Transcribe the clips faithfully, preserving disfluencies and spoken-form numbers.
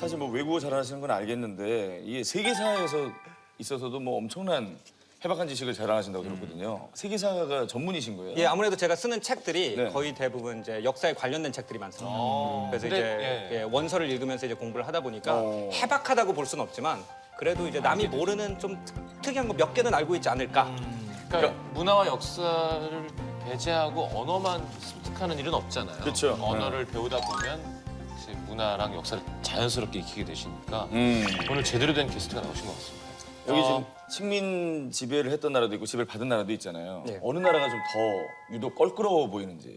사실 뭐 외국어 잘하시는 건 알겠는데 이게 세계사에서 있어서도 뭐 엄청난 해박한 지식을 자랑하신다고 들었거든요. 세계사가 전문이신 거예요? 예, 아무래도 제가 쓰는 책들이 네. 거의 대부분 이제 역사에 관련된 책들이 많습니다. 그래서 근데, 이제 예. 예, 원서를 읽으면서 이제 공부를 하다 보니까 어. 해박하다고 볼 수는 없지만 그래도 이제 남이 모르는 좀 특, 특이한 거 몇 개는 알고 있지 않을까. 그러니까 문화와 역사를 배제하고 언어만 습득하는 일은 없잖아요. 그렇죠. 언어를 배우다 보면 이제 문화랑 역사를 자연스럽게 익히게 되시니까 음. 오늘 제대로 된 게스트가 나오신 것 같습니다. 여기 어. 지금 식민 지배를 했던 나라도 있고 지배를 받은 나라도 있잖아요. 네. 어느 나라가 좀 더 유독 껄끄러워 보이는지.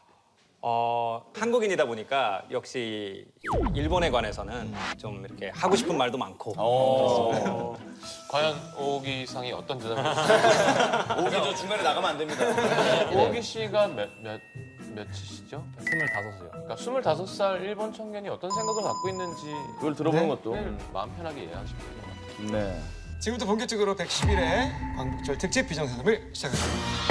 어, 한국인이다 보니까 역시 일본에 관해서는 좀 이렇게 하고 싶은 말도 많고 어. 과연 오기 상이 어떤 대답을 했을까요? 오기 저 중간에 나가면 안 됩니다. 오기 씨가 몇, 몇, 몇이시죠? 스물다섯이요. 그러니까 스물다섯 살 일본 청년이 어떤 생각을 갖고 있는지 그걸 들어보는 것도. 마음 편하게 이해하시면 될 것 같아요. 네. 지금부터 본격적으로 백십 일의 광복절 특집 비정상담을 시작합니다.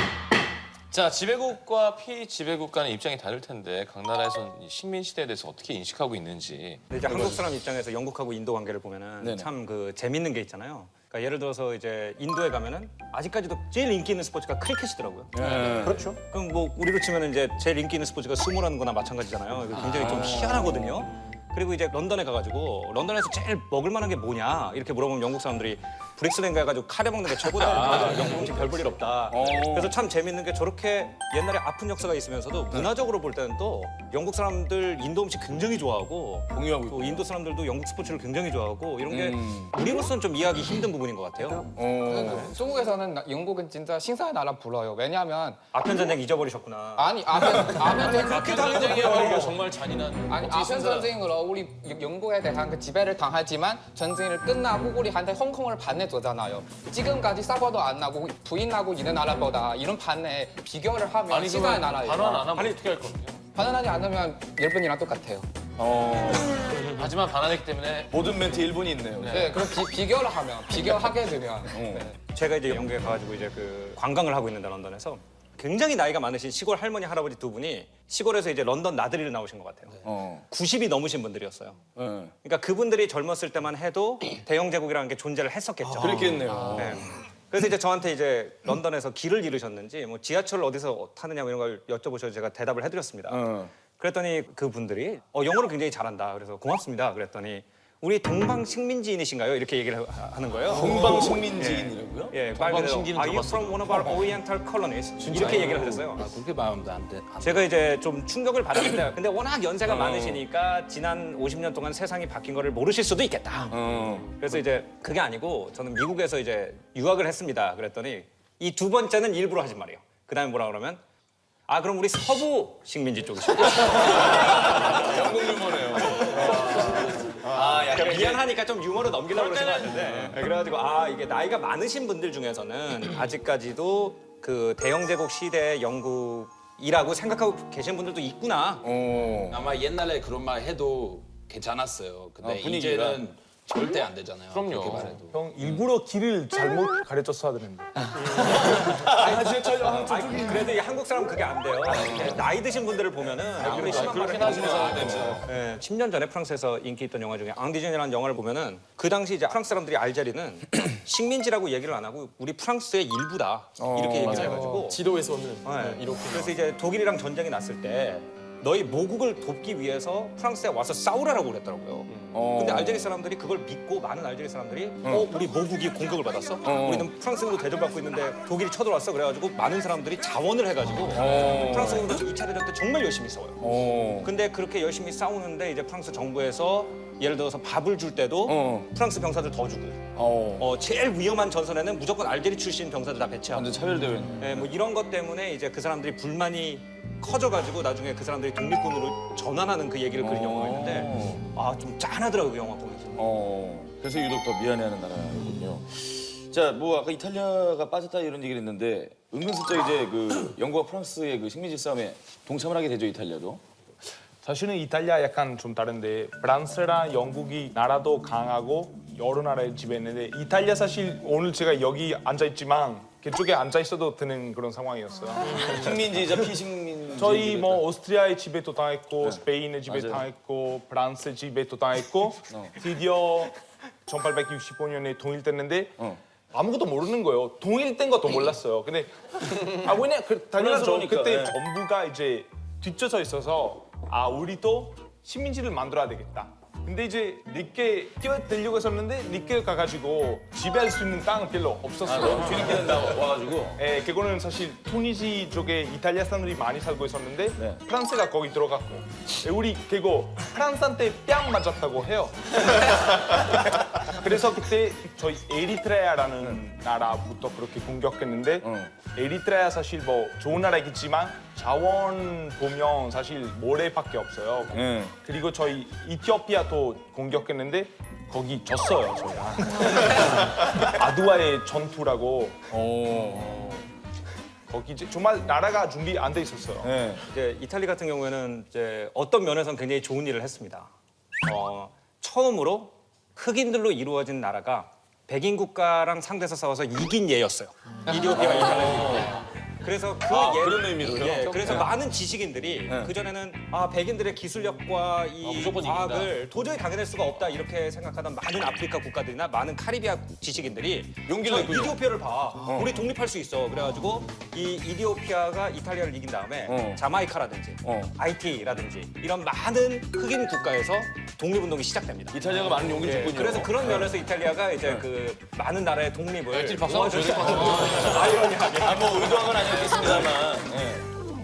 자, 지배국과 피지배국 간의 입장이 다를 텐데 각 나라에서는 이 식민 시대에 대해서 어떻게 인식하고 있는지. 근데 이제 한국 사람 입장에서 영국하고 인도 관계를 보면은 네네. 참 그 재밌는 게 있잖아요. 그러니까 예를 들어서 이제 인도에 가면은 아직까지도 제일 인기 있는 스포츠가 크리켓이더라고요. 네. 그렇죠. 그럼 뭐 우리로 치면은 이제 제일 인기 있는 스포츠가 수모라는 거나 마찬가지잖아요. 이거 굉장히 좀 희한하거든요. 그리고 이제 런던에 가가지고 런던에서 제일 먹을 만한 게 뭐냐 이렇게 물어보면 영국 사람들이 브릭스랜드 가가지고 카레 먹는 게 최고다. 영국 음식 별 볼 일 없다. 어. 그래서 참 재밌는 게 저렇게 옛날에 아픈 역사가 있으면서도 문화적으로 볼 때는 또 영국 사람들 인도 음식 굉장히 좋아하고 공유하고 또 있고. 인도 사람들도 영국 스포츠를 굉장히 좋아하고 이런 게 음. 우리로서는 좀 이해하기 힘든 부분인 것 같아요. 어. 중국에서는 나- 영국은 진짜 신사의 나라 불러요. 왜냐하면 아편 전쟁 잊어버리셨구나. 아니 아편 아편 전쟁 아편 전쟁이야말로 정말 잔인한. 아니 어떻게 아편 생각- 전쟁으로 우리 영- 영국에 대한 그 지배를 당하지만 전쟁을 끝나고 우리한테 홍콩을 반내줬잖아요. 지금까지 싸워도 안 나고 부인하고 있는 나라보다 이런 반내 비교를 하면 아니 신사의 그러면 나라예요. 반환 안 하면 어떻게 할 겁니까? 반환하지 않으면 일본이랑 똑같아요. 어. 하지만 반환했기 때문에 모든 멘트 일본이 있네요. 네, 그럼 비, 비교를 하면 비교하게 되면 네. 제가 이제 영국에 가가지고 이제 그 관광을 하고 있는데 런던에서 굉장히 나이가 많으신 시골 할머니 할아버지 두 분이 시골에서 이제 런던 나들이를 나오신 것 같아요. 어. 구십이 넘으신 분들이었어요. 네. 그러니까 그분들이 젊었을 때만 해도 대영 제국이라는 게 존재를 했었겠죠. 그랬겠네요. 네. 그래서 이제 저한테 이제 런던에서 길을 잃으셨는지 뭐 지하철을 어디서 타느냐 뭐 이런 걸 여쭤보셔서 제가 대답을 해드렸습니다. 어. 그랬더니 그 분들이 어, 영어를 굉장히 잘한다. 그래서 고맙습니다. 그랬더니 우리 동방식민지인이신가요? 이렇게 얘기를 하- 하는 거예요. 동방식민지인이라고요? 예, 말 그대로 동방신기는 Are you 들어봤어요. from one of our Oriental colonies? 이렇게 얘기를 하셨어요. 그렇게 말하면 안 돼. 안 돼. 제가 이제 좀 충격을 받았는데 근데 워낙 연세가 많으시니까 지난 오십 년 동안 세상이 바뀐 거를 모르실 수도 있겠다. 어. 그래서 이제 그게 아니고 저는 미국에서 이제 유학을 했습니다. 그랬더니 이 두 번째는 일부러 하신 말이에요. 그다음에 뭐라 그러면 아 그럼 우리 서부 식민지 쪽이시고 영국 유머네요. 아, 약간 미안하니까 좀 유머로 넘기려고 그러신 것 같은데 네, 그래가지고 아 이게 나이가 많으신 분들 중에서는 아직까지도 그 대영제국 시대의 영국이라고 생각하고 계신 분들도 있구나. 어. 아마 옛날에 그런 말 해도 괜찮았어요. 근데 아, 분위기가. 이제는 절대 안 되잖아요. 그럼요. 그렇게 말해도. 형 일부러 길을 잘못 가르쳤어야 되는데. 아니, 그래도 이 한국 사람 은 그게 안 돼요. 나이 드신 분들을 보면은 이렇게 심한 말을 그렇긴 하지만 해주시면 네, 십 년 전에 프랑스에서 인기 있던 영화 중에 앙디전이라는 영화를 보면은 그 당시 이제 프랑스 사람들이 알제리는 식민지라고 얘기를 안 하고 우리 프랑스의 일부다 이렇게 얘기를 해가지고 지도에서는 네. 이렇게 그래서 이제 독일이랑 전쟁이 났을 때 너희 모국을 돕기 위해서 프랑스에 와서 싸우라라고 그랬더라고요. 어. 근데 알제리 사람들이 그걸 믿고 많은 알제리 사람들이 어 우리 모국이 공격을 받았어? 우리는 프랑스군으로 대접받고 있는데 독일이 쳐들어왔어. 그래가지고 많은 사람들이 자원을 해가지고 프랑스군으로 이 차 대전 때 정말 열심히 싸워요. 어. 근데 그렇게 열심히 싸우는데 이제 프랑스 정부에서 예를 들어서 밥을 줄 때도 어. 프랑스 병사들 더 주고 어. 어, 제일 위험한 전선에는 무조건 알제리 출신 병사들 다 배치하고 완전 차별대회. 예, 뭐 이런 것 때문에 이제 그 사람들이 불만이 커져가지고 나중에 그 사람들이 독립군으로 전환하는 그 얘기를 그린 영화가 있는데 아 좀 짠하더라고요 그 영화 보면서. 어. 그래서 유독 더 미안해하는 나라군요. 자, 뭐 아까 이탈리아가 빠졌다 이런 얘기를 했는데 은근슬쩍 이제 그 영국과 프랑스의 그 식민지 싸움에 동참을 하게 되죠, 이탈리아도. 사실은 이탈리아 약간 좀 다른데 프랑스랑 영국이 나라도 강하고 여러 나라를 지배했는데 이탈리아 사실 오늘 제가 여기 앉아 있지만 그쪽에 앉아 있어도 되는 그런 상황이었어요. 식민지이자 피식민 저희 뭐 오스트리아의 지배도 당했고 스페인의 지배 맞아요. 당했고 프랑스 지배도 당했고 드디어 천팔백육십오 년에 통일됐는데 어. 아무것도 모르는 거예요. 통일된 것도 몰랐어요. 근데 아 왜냐 그 당연하죠. 혼란스러우니까, 그때 예. 정부가 이제 뒤쳐서 있어서 아 우리도 식민지를 만들어야 되겠다. 근데 이제 니께 뛰어들려고 했었는데 니께 가가지고 지배할 수 있는 땅은 별로 없었어요. 너무 뒤늦게 나 와가지고. 예, 그거는 사실 투니지 쪽에 이탈리아 사람들이 많이 살고 있었는데 네. 프랑스가 거기 들어갔고 예, 우리 그거 프랑스한테 뺨 맞았다고 해요. 그래서 그때 저희 에리트레아라는 나라부터 그렇게 공격했는데 어. 에리트레아 사실 뭐 좋은 나라이겠지만 자원 보면 사실 모래밖에 없어요. 예. 그리고 저희 이티오피아도 공격했는데 거기 졌어요 저희가. 아두아의 전투라고. 거기 이제 정말 나라가 준비 안 돼 있었어요. 예. 이제 이탈리 같은 경우에는 이제 어떤 면에서는 굉장히 좋은 일을 했습니다. 어, 처음으로 흑인들로 이루어진 나라가 백인 국가랑 상대해서 싸워서 이긴 예였어요. 이디오피아와 이탈리아. 그래서 그 아, 예, 그런 의미로요? 예, 그래서 많은 지식인들이 네. 그 전에는 아 백인들의 기술력과 이 아, 무조건 과학을 도저히 당해낼 수가 없다 이렇게 생각하던 많은 아프리카 국가들이나 많은 카리비아 지식인들이 용기를 저 냈군요. 이디오피아를 봐, 우리 독립할 수 있어. 그래가지고 이 이디오피아가 이탈리아를 이긴 다음에 어. 자마이카라든지 어. 아이티라든지 이런 많은 흑인 국가에서 독립운동이 시작됩니다. 이탈리아가 많은 용기를 예, 줬군요. 그래서 그런 면에서 이탈리아가 이제 그 많은 나라의 독립을 일주일 박수 한번 줘야 도와줄 될것 같은데. 아이러니하게 아, 뭐 의도한 건 아니었겠습니다만. 예.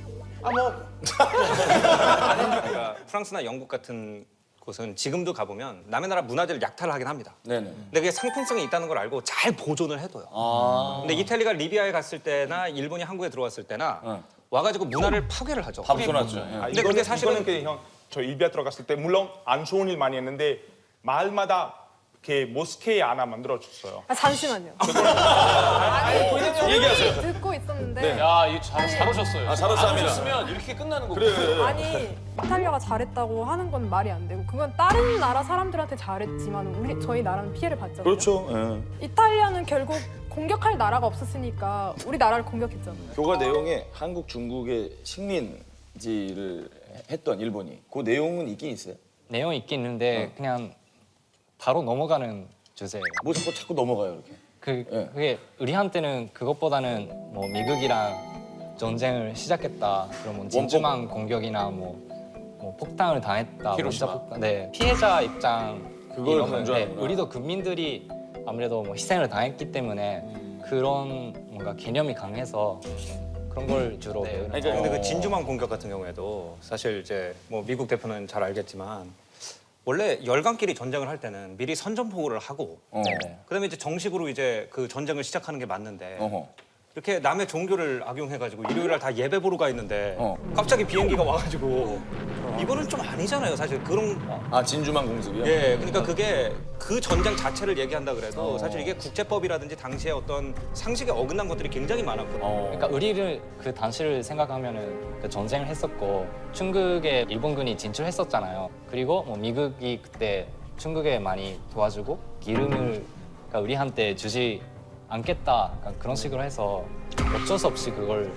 그러니까 프랑스나 영국 같은 곳은 지금도 가보면 남의 나라 문화재를 약탈을 하긴 합니다. 네네. 근데 그게 상품성이 있다는 걸 알고 잘 보존을 해둬요. 아. 근데 이탈리아가 리비아에 갔을 때나 일본이 한국에 들어왔을 때나 어. 와가지고 문화를 파괴를 하죠. 다 부숴놨죠. 예. 아, 근데 이거는, 그게 사실은- 이거는 그냥 형, 저 일비아 들어갔을 때 물론 안 좋은 일 많이 했는데 마을마다 이렇게 모스케 하나 만들어 줬어요. 아, 잠시만요. 아니, 얘기하세요. 듣고 있었는데 야, 이잘 잘 오셨어요. 아, 잘 왔습니다. 오셨으면 이렇게 끝나는 거고. 그래. 아니 이탈리아가 잘했다고 하는 건 말이 안 되고 그건 다른 나라 사람들한테 잘했지만 우리 저희 나라는 피해를 봤잖아요. 그렇죠. 예. 이탈리아는 결국 공격할 나라가 없었으니까 우리 나라를 공격했잖아요. 교과 내용에 한국, 중국의 식민지를 했던 일본이 그 내용은 있긴 있어요. 내용이 있긴 있는데 그냥 바로 넘어가는 주제예요. 뭐 자꾸 자꾸 넘어가요 이렇게. 그 예. 그게 우리한테는 그것보다는 뭐 미국이랑 전쟁을 시작했다. 그럼 뭐 진주만 공격이나 뭐, 뭐 폭탄을 당했다. 히로시마. 원자 폭탄. 네 피해자 입장 그걸 이러면, 강조하는구나. 네, 우리도 국민들이 아무래도 뭐 희생을 당했기 때문에 그런 뭔가 개념이 강해서 그런 걸 주로 배우는. 그러니까 근데 그 진주만 공격 같은 경우에도 사실 이제 뭐 미국 대표는 잘 알겠지만 원래 열강끼리 전쟁을 할 때는 미리 선전포고를 하고 어. 그다음에 이제 정식으로 이제 그 전쟁을 시작하는 게 맞는데 어허. 이렇게 남의 종교를 악용해가지고 일요일 날 다 예배 보러 가 있는데 어. 갑자기 비행기가 와가지고 이거는 좀 아니잖아요 사실 그런 아 진주만 공습이요? 예 그러니까 그게 그 전쟁 자체를 얘기한다 그래도 어. 사실 이게 국제법이라든지 당시에 어떤 상식에 어긋난 것들이 굉장히 많았거든요. 어. 그러니까 우리를 그 당시를 생각하면은 그 전쟁을 했었고 중국에 일본군이 진출했었잖아요. 그리고 뭐 미국이 그때 중국에 많이 도와주고 기름을 그러니까 우리한테 주지 않겠다 약간 그런 식으로 해서 어쩔 수 없이 그걸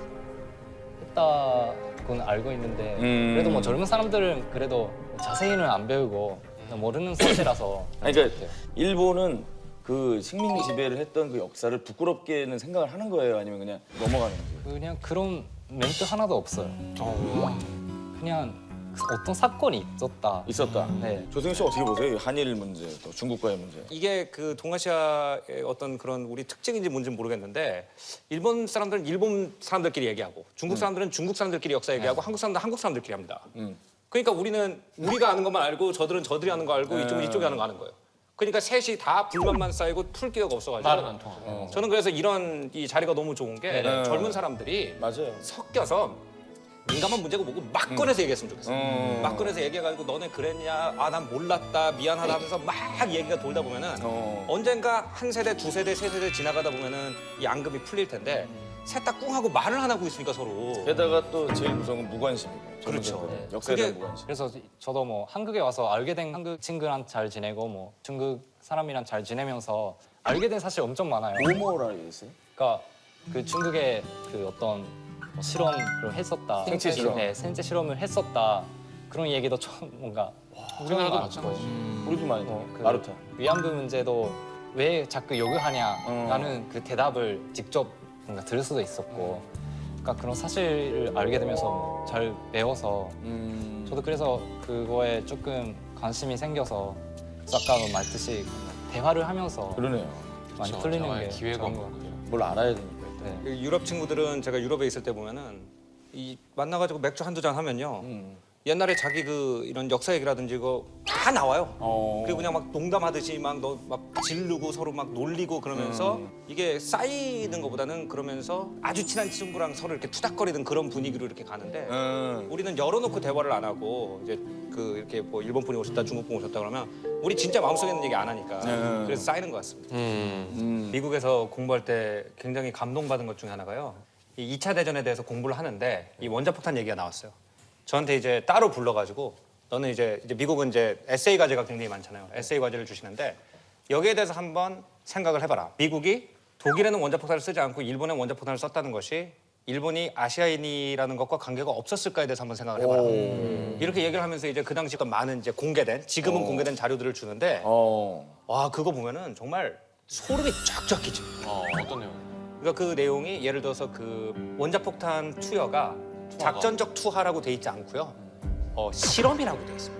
했다고는 알고 있는데 음. 그래도 뭐 젊은 사람들은 그래도 자세히는 안 배우고 그냥 모르는 사실이라서 아니, 그러니까 일본은 그 식민 지배를 했던 그 역사를 부끄럽게는 생각을 하는 거예요, 아니면 그냥 넘어가는 거예요? 그냥 그런 멘트 하나도 없어요. 그냥 어떤 사건이 있었다. 있었다. 네. 조승현 씨 어떻게 보세요? 한일 문제, 또 중국과의 문제. 이게 그 동아시아의 어떤 그런 우리 특징인지 뭔지는 모르겠는데 일본 사람들은 일본 사람들끼리 얘기하고 중국 사람들은 중국 사람들끼리 역사 얘기하고 한국 사람들은 한국 사람들끼리 합니다. 음. 그러니까 우리는 우리가 아는 것만 알고 저들은 저들이 아는 거 알고 이쪽은 이쪽이 아는 거 아는 거예요. 그러니까 셋이 다 불만만 쌓이고 풀 기회가 없어가지고 말은 안 통하고. 저는 그래서 이런 이 자리가 너무 좋은 게 젊은 사람들이 맞아요. 섞여서 민감한 문제고 뭐고 막 꺼내서 얘기했으면 좋겠어요. 음. 막 꺼내서 얘기해가지고 너네 그랬냐, 아 난 몰랐다, 미안하다 하면서 막 얘기가 돌다 보면은 어. 언젠가 한 세대, 두 세대, 세 세대 지나가다 보면은 이 앙금이 풀릴 텐데 셋 다 꿍하고 말을 안 하고 있으니까 서로. 게다가 또 제일 무서운 건 무관심이고. 그렇죠. 젊은이들은 역사에 대한 그게- 무관심. 그래서 저도 뭐 한국에 와서 알게 된 한국 친구랑 잘 지내고 뭐 중국 사람이랑 잘 지내면서 알게 된 사실 엄청 많아요. 뭐뭐라 했어요? 그러니까 그 중국의 그 어떤 뭐 실험을 했었다. 생체 실험. 네, 생체 실험을 했었다. 그런 얘기도 처음 뭔가 우리나라도 마찬가지. 우리도 많이 어, 어, 그 마루타. 위안부 문제도 왜 자꾸 요구하냐라는 그 대답을 직접 뭔가 들을 수도 있었고, 그러니까 그런 사실을 알게 되면서 잘 배워서 음. 저도 그래서 그거에 조금 관심이 생겨서 아까 말했듯이 대화를 하면서 그러네요. 많이 그렇죠. 풀리는 대화의 게 기회가 좋은 없는 것 같아요. 뭘 알아야 되니까 일단. 네. 그 유럽 친구들은 제가 유럽에 있을 때 보면은 이 만나가지고 맥주 한두 잔 하면요. 음. 옛날에 자기 그 이런 역사 얘기라든지 이거 다 나와요. 어. 그리고 그냥 막 농담하듯이 막 너 막 지르고 서로 막 놀리고 그러면서 음. 이게 쌓이는 것보다는 그러면서 아주 친한 친구랑 서로 이렇게 투닥거리는 그런 분위기로 이렇게 가는데 음. 우리는 열어놓고 대화를 안 하고 이제 그 이렇게 뭐 일본 분이 오셨다 중국 분이 오셨다 그러면 우리 진짜 마음속에 있는 얘기 안 하니까 음. 그래서 쌓이는 것 같습니다. 음. 음. 미국에서 공부할 때 굉장히 감동받은 것 중에 하나가요. 이 이 차 대전에 대해서 공부를 하는데 이 원자폭탄 얘기가 나왔어요. 저한테 이제 따로 불러가지고 너는 이제, 이제 미국은 이제 에세이 과제가 굉장히 많잖아요. 에세이 과제를 주시는데 여기에 대해서 한번 생각을 해봐라. 미국이 독일에는 원자폭탄을 쓰지 않고 일본에 원자폭탄을 썼다는 것이 일본이 아시아인이라는 것과 관계가 없었을까에 대해서 한번 생각을 해봐라. 이렇게 얘기를 하면서 이제 그 당시 어떤 많은 이제 공개된 지금은 공개된 자료들을 주는데 어. 와 그거 보면은 정말 소름이 쫙쫙 끼쳐. 어, 어떤 내용? 그러니까 그 내용이 예를 들어서 그 원자폭탄 투여가 작전적 투하라고 돼 있지 않고요. 어, 실험이라고 돼 있습니다.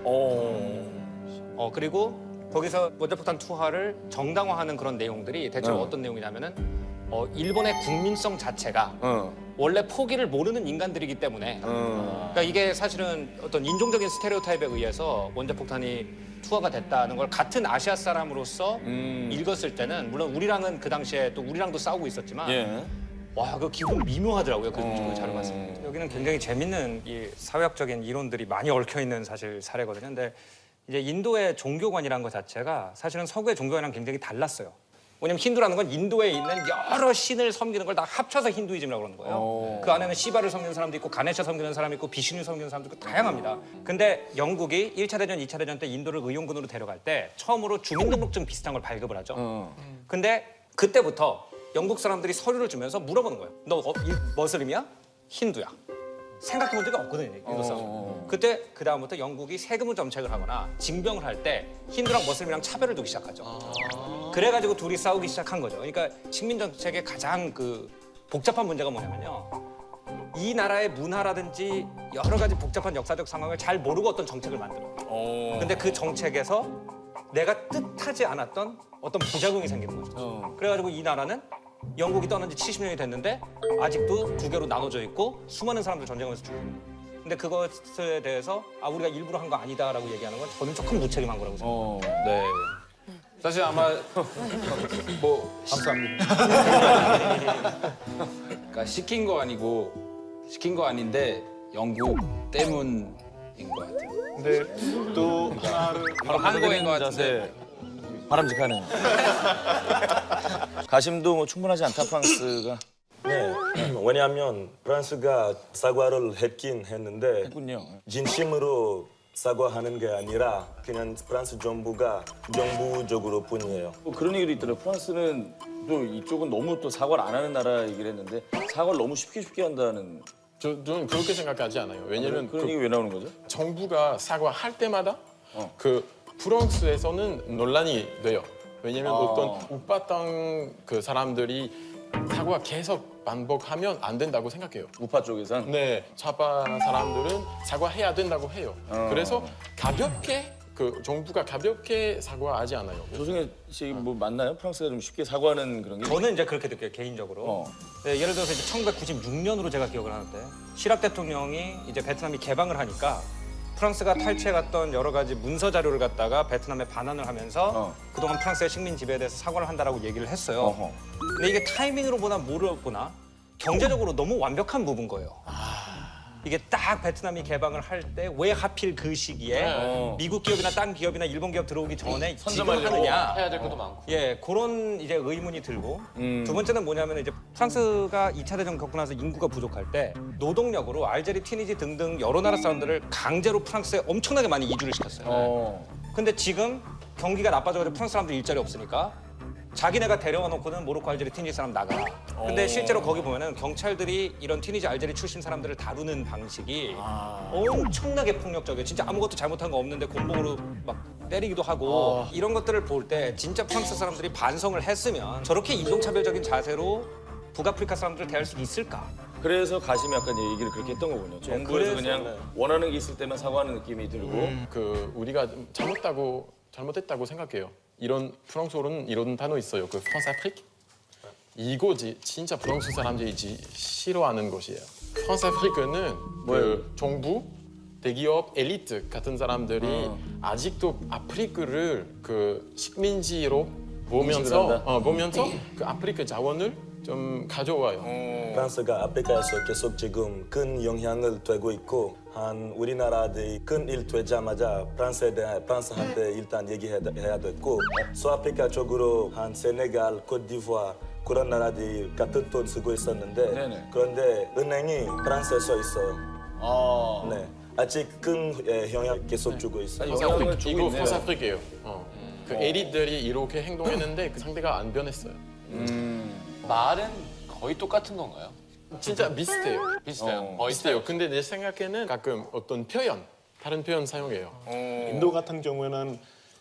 어. 어, 그리고 거기서 원자폭탄 투하를 정당화하는 그런 내용들이 대체로 어. 어떤 내용이냐면은 어, 일본의 국민성 자체가 어. 원래 포기를 모르는 인간들이기 때문에 어. 그러니까 이게 사실은 어떤 인종적인 스테레오타입에 의해서 원자폭탄이 투하가 됐다는 걸 같은 아시아 사람으로서 음. 읽었을 때는 물론 우리랑은 그 당시에 또 우리랑도 싸우고 있었지만 예. 와, 그 기분 미묘하더라고요. 그, 어. 그 자료 봤을 때. 여기는 굉장히 재밌는 이 사회학적인 이론들이 많이 얽혀 있는 사실 사례거든요. 근데 이제 인도의 종교관이라는 것 자체가 사실은 서구의 종교관이랑 굉장히 달랐어요. 왜냐면 힌두라는 건 인도에 있는 여러 신을 섬기는 걸 다 합쳐서 힌두이즘이라고 그러는 거예요. 어. 그 안에는 시바를 섬기는 사람도 있고 가네샤 섬기는 사람이 있고 비슈누 섬기는 사람도 있고 다양합니다. 근데 영국이 일 차 대전, 이 차 대전 때 인도를 의용군으로 데려갈 때 처음으로 주민등록증 비슷한 걸 발급을 하죠. 어. 근데 그때부터 영국 사람들이 서류를 주면서 물어보는 거예요. 너 어, 이, 머슬림이야? 힌두야? 생각해 본 적이 없거든요, 인도 사람. 어. 그때 그 다음부터 영국이 세금 정책을 하거나 징병을 할 때 힌두랑 머슬림이랑 차별을 두기 시작하죠. 그래가지고 둘이 싸우기 시작한 거죠. 그러니까 식민 정책의 가장 그 복잡한 문제가 뭐냐면요. 이 나라의 문화라든지 여러 가지 복잡한 역사적 상황을 잘 모르고 어떤 정책을 만들어요. 어. 근데 그 정책에서 내가 뜻하지 않았던 어떤 부작용이 생기는 거죠. 어. 그래가지고 이 나라는 영국이 떠난 지 칠십 년이 됐는데 아직도 두 개로 나눠져 있고 수많은 사람들 전쟁하면서 죽고 있는 거예요. 근데 그것에 대해서 아 우리가 일부러 한 거 아니다라고 얘기하는 건 저는 조금 무책임한 거라고 생각해요. 어. 네. 사실 아마 뭐 감사합니다. 그러니까 시킨 거 아니고 시킨 거 아닌데 영국 때문인 것 같아요. 근데 또 하나를 바로 한 거인 것 같은데. 바람직하네요. 가심도 뭐 충분하지 않다 프랑스가 네, 왜냐하면 프랑스가 사과를 했긴 했는데 했군요. 진심으로 사과하는 게 아니라 그냥 프랑스 정부가 정부적으로 뿐이에요. 뭐 그런 얘기도 있더라고요. 프랑스는 또 이쪽은 너무 또 사과를 안 하는 나라 얘기를 했는데 사과를 너무 쉽게 쉽게 한다는 저, 저는 그렇게 생각하지 않아요. 왜냐면 그런 그 얘기 왜 나오는 거죠? 정부가 사과할 때마다 어. 그 프랑스에서는 논란이 돼요. 왜냐면 아. 어떤 우파 땅그 사람들이 사과 계속 반복하면 안 된다고 생각해요. 우파 쪽에선 네, 좌파 사람들은 사과해야 된다고 해요. 어. 그래서 가볍게 그 정부가 가볍게 사과하지 않아요. 조승혜 씨 뭐 맞나요? 프랑스가 좀 쉽게 사과하는 그런 게? 저는 이제 그렇게 느껴요, 개인적으로. 어. 네, 예를 들어서 이제 천구백구십육 년으로 제가 기억을 하는데 시락 대통령이 이제 베트남이 개방을 하니까 프랑스가 탈취해갔던 여러 가지 문서 자료를 갖다가 베트남에 반환을 하면서 어. 그동안 프랑스의 식민 지배에 대해서 사과를 한다라고 얘기를 했어요. 어허. 근데 이게 타이밍으로 보나 뭐로 보나 경제적으로 너무 완벽한 부분 거예요. 이게 딱 베트남이 개방을 할 때 왜 하필 그 시기에 어. 미국 기업이나 딴 기업이나 일본 기업 들어오기 전에 지금 선점하려고. 하느냐. 해야 될 것도 많고. 예, 그런 이제 의문이 들고 음. 두 번째는 뭐냐면 이제 프랑스가 이 차 대전 겪고 나서 인구가 부족할 때 노동력으로 알제리, 튀니지 등등 여러 나라 사람들을 강제로 프랑스에 엄청나게 많이 이주를 시켰어요. 어. 근데 지금 경기가 나빠져가지고 프랑스 사람들 일자리 없으니까 자기네가 데려와 놓고는 모로코, 알제리, 튀니지 사람 나가. 근데 실제로 거기 보면은 경찰들이 이런 튀니지, 알제리 출신 사람들을 다루는 방식이 엄청나게 폭력적이에요. 진짜 아무것도 잘못한 거 없는데 곤봉으로 막 때리기도 하고 이런 것들을 볼 때 진짜 프랑스 사람들이 반성을 했으면 저렇게 인종차별적인 자세로 북아프리카 사람들을 대할 수 있을까? 그래서 가심이 약간 얘기를 그렇게 했던 거군요. 정부에서 그래서, 그냥 네. 원하는 게 있을 때만 사과하는 느낌이 들고 그 우리가 잘못하고 잘못했다고 생각해요. 이런 프랑스어로는 이런 단어 있어요. 그 프랑스 아프리que. 이거지 진짜 프랑스 사람들이 지- 싫어하는 것이에요. 프랑스 아프리크는 그 정부, 대기업, 엘리트 같은 사람들이 아직도 아프리크를 그 식민지로 보면서 한다? 어, 보면서 그 아프리카 자원을 좀 가져와요. 프랑스가 아프리카에서 계속 지금 큰 영향을 되고 있고 한 우리나라들이 큰 일 되자마자 프랑스에 대해 프랑스한테 일단 얘기해야 됐고 서아프리카 쪽으로 한 세네갈, 코트디부아 그런 나라들이 같은 돈 쓰고 있었는데 네네. 그런데 은행이 프랑스에 서 있어요. 아, 네. 아직 큰 예, 영향 계속 주고 있어요. 영향을 주고 이거 있네요. 프랑스 아프리카예요. 어. 그 엘리트들이 이렇게 행동했는데 그 상대가 안 변했어요. 말은 거의 똑같은 건가요? 진짜 비슷해요. 비슷해요. 어, 거의 비슷해요. 근데 내 생각에는 가끔 어떤 표현, 다른 표현 사용해요. 인도 같은 경우에는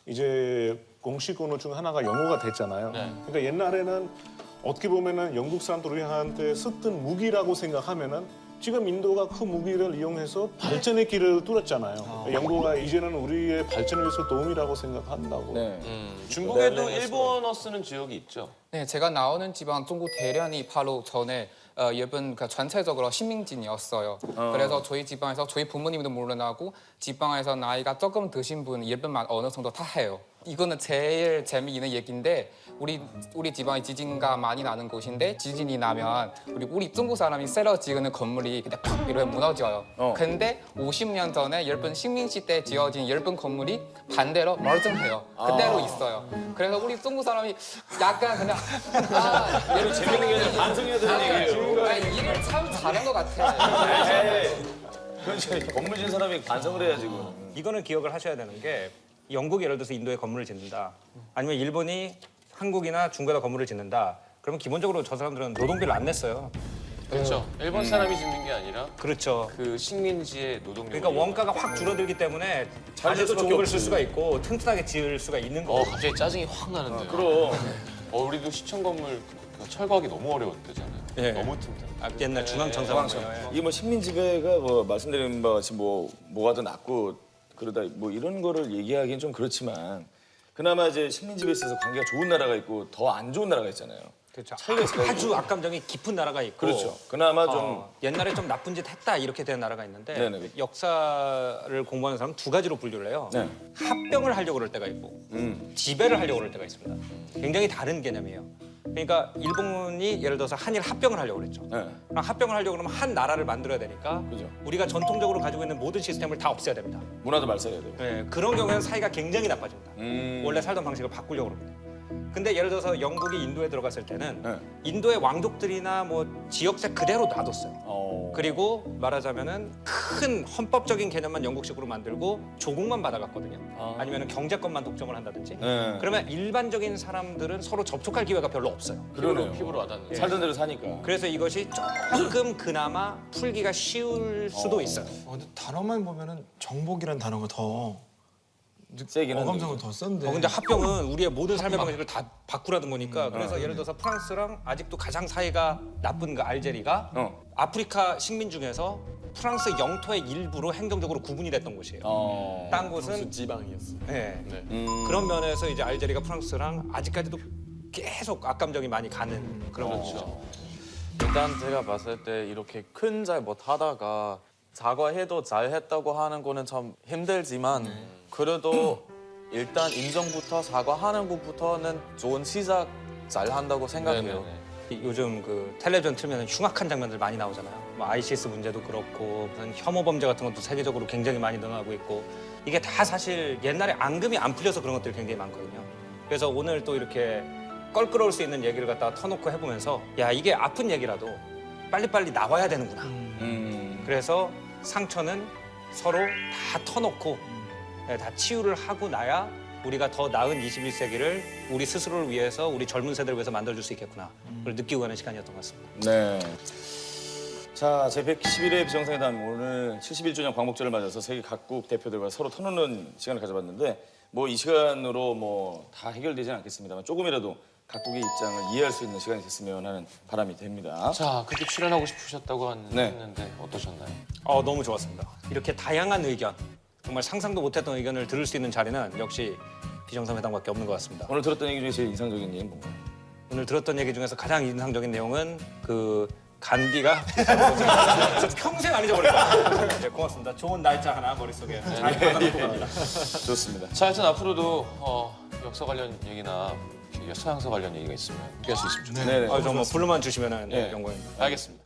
이제 공식 언어 중 하나가 영어가 됐잖아요. 그러니까 옛날에는 어떻게 보면은 영국 사람들한테 쓰던 무기라고 생각하면은 지금 인도가 그 무기를 이용해서 발전의 길을 뚫었잖아요. 영국가 이제는 우리의 발전을 위해서 도움이라고 생각한다고. 네. 음, 중국에도 네, 네, 일본어 쓰는 지역이 있죠. 네, 제가 나오는 지방 중국 대련이 바로 전에 어, 일본 그 전체적으로 식민지였어요. 그래서 저희 지방에서 저희 부모님도 물론하고 지방에서 나이가 조금 드신 분 일본말 어느 정도 다 해요. 이거는 제일 재미있는 얘기인데 우리 우리 지방이 지진가 많이 나는 곳인데 지진이 나면 우리 우리 중국 사람이 새로 지은 건물이 그냥 팍 이렇게 무너져요. 어. 근데 오십 년 전에 일본 식민지 때 지어진 일본 건물이 반대로 멀쩡해요. 그대로 있어요. 그래서 우리 중국 사람이 약간 그냥 아, 일본 재밌는 게 아니라 반성해야 되는 얘기예요. 아니, 일을 참 잘한 것 같아. 그렇지. 건물 진 사람이 반성을 해야지, 그거는. 이거는 기억을 하셔야 되는 게 영국이 예를 들어서 인도에 건물을 짓는다. 아니면 일본이 한국이나 중국에다 건물을 짓는다. 그러면 기본적으로 저 사람들은 노동비를 안 냈어요. 그렇죠. 일본 사람이 짓는 게 아니라 그렇죠. 그 식민지의 노동력. 그러니까 원가가 확 줄어들기 때문에 아직도 좋은 걸 쓸 수가 있고 튼튼하게 지을 수가 있는 어 거고. 갑자기 짜증이 확 나는데요. 그럼. 어 우리도 시청 건물 철거하기 너무 어려웠대잖아요. 예. 너무 튼튼. 아, 옛날 중앙청사관. 이게 뭐 식민지배가 뭐 말씀드린 바와 같이 뭐 뭐가 더 낫고 그러다 뭐 이런 거를 얘기하기는 좀 그렇지만 그나마 이제 식민지배에 있어서 관계가 좋은 나라가 있고 더 안 좋은 나라가 있잖아요. 그렇죠. 차이가 있어요. 아주 악감정이 깊은 나라가 있고. 그렇죠. 그나마 좀 어, 옛날에 좀 나쁜 짓 했다 이렇게 된 나라가 있는데 네네. 역사를 공부하는 사람 두 가지로 분류를 해요. 네. 합병을 하려고 그럴 때가 있고 음. 지배를 하려고 그럴 때가 있습니다. 굉장히 다른 개념이에요. 그러니까 일본이 예를 들어서 한일 합병을 하려고 그랬죠. 네. 그럼 합병을 하려고 그러면 한 나라를 만들어야 되니까 그죠. 우리가 전통적으로 가지고 있는 모든 시스템을 다 없애야 됩니다. 문화도 말살해야 돼요. 네, 그런 경우에는 사이가 굉장히 나빠집니다. 음. 원래 살던 방식을 바꾸려고 그럽니다. 근데 예를 들어서 영국이 인도에 들어갔을 때는 네. 인도의 왕족들이나 뭐 지역색 그대로 놔뒀어요. 어. 그리고 말하자면은 큰 헌법적인 개념만 영국식으로 만들고 조국만 받아갔거든요. 아니면 경제권만 독점을 한다든지. 네. 그러면 일반적인 사람들은 서로 접촉할 기회가 별로 없어요. 그러네요. 피부로 와닿는. 살던 대로 사니까. 그래서 이것이 조금 그나마 풀기가 쉬울 수도 있어요. 어, 근데 단어만 보면은 정복이라는 단어가 더 세긴 한데. 어감성은 더 센데. 어, 근데 합병은 우리의 모든 삶의 방식을 다 바꾸라는 거니까 그래서 예를 들어서 프랑스랑 아직도 가장 사이가 나쁜 그 알제리가 어. 아프리카 식민 중에서 프랑스 영토의 일부로 행정적으로 구분이 됐던 곳이에요. 어. 딴 곳은 프랑스 지방이었어요. 네. 네. 음. 그런 면에서 이제 알제리가 프랑스랑 아직까지도 계속 악감정이 많이 가는 그런 거죠. 일단 제가 봤을 때 이렇게 큰 잘못 하다가 사과해도 잘했다고 하는 거는 참 힘들지만 그래도 일단 인정부터 사과하는 것부터는 좋은 시작 잘한다고 생각해요. 네네네. 요즘 그 텔레비전 틀면 흉악한 장면들 많이 나오잖아요. 뭐 아이시스 문제도 그렇고 무슨 혐오 범죄 같은 것도 세계적으로 굉장히 많이 늘어나고 있고 이게 다 사실 옛날에 앙금이 안 풀려서 그런 것들이 굉장히 많거든요. 그래서 오늘 또 이렇게 껄끄러울 수 있는 얘기를 갖다가 터놓고 해보면서 야 이게 아픈 얘기라도 빨리빨리 나와야 되는구나. 음. 그래서 상처는 서로 다 터놓고 네, 다 치유를 하고 나야 우리가 더 나은 이십일 세기를 우리 스스로를 위해서 우리 젊은 세대를 위해서 만들어줄 수 있겠구나. 그걸 느끼고 가는 시간이었던 것 같습니다. 네. 자, 제백십일 회 비정상회담 오늘 칠십일 주년 광복절을 맞아서 세계 각국 대표들과 서로 터놓는 시간을 가져봤는데 뭐 이 시간으로 뭐 다 해결되지는 않겠습니다만 조금이라도 각국의 입장을 이해할 수 있는 시간이 됐으면 하는 바람이 됩니다. 자, 그렇게 출연하고 싶으셨다고 한- 네. 했는데 어떠셨나요? 어, 너무 좋았습니다. 이렇게 다양한 의견, 정말 상상도 못했던 의견을 들을 수 있는 자리는 역시 비정상회담밖에 없는 것 같습니다. 오늘 들었던 얘기 중에 제일 인상적인 얘기는 뭔가요? 오늘 들었던 얘기 중에서 가장 인상적인 내용은 그 간디가 평생 안 잊어버릴 거야. 네, 고맙습니다. 좋은 날짜 하나 머릿속에 잘 받아놓고 갑니다. 좋습니다. 자, 하여튼 앞으로도 어, 역사 관련 얘기나 서양사 관련 얘기가 있으면 얘기할 수 있으면 좋겠습니다. 네네. 아, 정말 불러만 주시면은 네. 영광입니다. 알겠습니다.